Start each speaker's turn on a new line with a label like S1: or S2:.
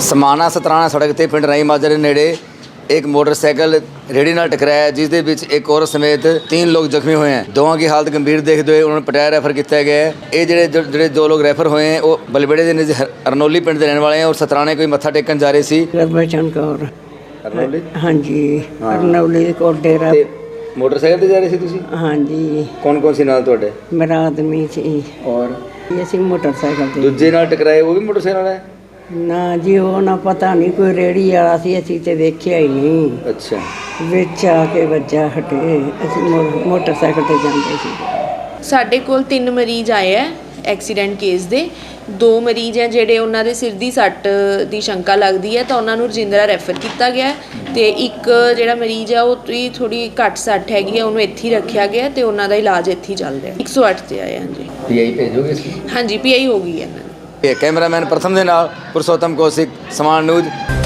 S1: समाना सतराना सड़क ते पिंड राई माजरे नेड़े एक मोटरसाइकिल रेहड़ी नाल टकराया जिस दे विच एक औरत समेत 3 लोग जख्मी हुए हैं। दोवां की हालत गंभीर देखते हुए उन्होंने पटियाला रैफर किया गया है। ये ਜਿਹੜੇ 2 लोग रैफर हुए हैं वो बलबेड़े के नज़दीक अरनौली पिंड के रहने वाले हैं और सतराने कोई मत्था टेकन जा रहे सी।
S2: गुरबचन कौर
S1: अरनौली
S2: हाँ जी अरनौली ਦੇ ਕੋਲ ਡੇਰਾ
S1: मोटरसाइकिल ਤੇ ਜਾ ਰਹੇ ਸੀ ਤੁਸੀਂ?
S2: हाँ जी
S1: ਕੌਣ ਕੌਣ ਸੀ ਨਾਲ ਤੁਹਾਡੇ?
S2: ਮੇਰਾ ਆਦਮੀ ਸੀ
S1: ਔਰ
S2: ਅਸੀਂ ਮੋਟਰਸਾਈਕਲ ਤੇ
S1: ਦੂਜੇ ਨਾਲ ਟਕਰਾਏ ਉਹ ਵੀ ਮੋਟਰਸਾਈਕਲ ਵਾਲਾ ਹੈ?
S2: ਨਾ ਜੀ ਉਹ ਨਾ ਪਤਾ ਨਹੀਂ ਕੋਈ ਰੇੜੀ ਵਾਲਾ ਸੀ ਅਸੀਂ ਤੇ ਵੇਖਿਆ ਹੀ ਨਹੀਂ।
S1: ਅੱਛਾ
S2: ਵਿੱਚ ਆ ਕੇ ਵੱਜਾ ਹਟੇ ਅਸੀਂ ਮੋਟਰਸਾਈਕਲ ਤੇ ਜਾਂਦੇ ਸੀ।
S3: ਸਾਡੇ ਕੋਲ 3 ਮਰੀਜ਼ ਆਏ ਹੈ ਐਕਸੀਡੈਂਟ ਕੇਸ ਦੇ। 2 ਮਰੀਜ਼ ਹੈ ਜਿਹੜੇ ਉਹਨਾਂ ਦੇ ਸਿਰ ਦੀ ਸੱਟ ਦੀ ਸ਼ੰਕਾ ਲੱਗਦੀ ਹੈ ਤਾਂ ਉਹਨਾਂ ਨੂੰ ਰਜਿੰਦਰਾ ਰੈਫਰ ਕੀਤਾ ਗਿਆ ਤੇ ਇੱਕ ਜਿਹੜਾ ਮਰੀਜ਼ ਆ ਉਹ ਥੋੜੀ ਘੱਟ ਸੱਟ ਹੈਗੀ ਹੈ ਉਹਨੂੰ ਇੱਥੇ ਹੀ ਰੱਖਿਆ ਗਿਆ ਤੇ ਉਹਨਾਂ ਦਾ ਇਲਾਜ ਇੱਥੇ ਹੀ ਚੱਲ ਰਿਹਾ। 108 ਤੇ ਆਏ ਹਾਂਜੀ।
S1: ਪੀਆਈ ਭੇਜੋਗੇ ਇਸ
S3: ਹਾਂਜੀ ਪੀਆਈ ਹੋ ਗਈ ਹੈ ਇਹਨਾਂ ਦੀ।
S1: कैमरामैन प्रथम के नाल पुरुषोत्तम कौशिक, समान न्यूज।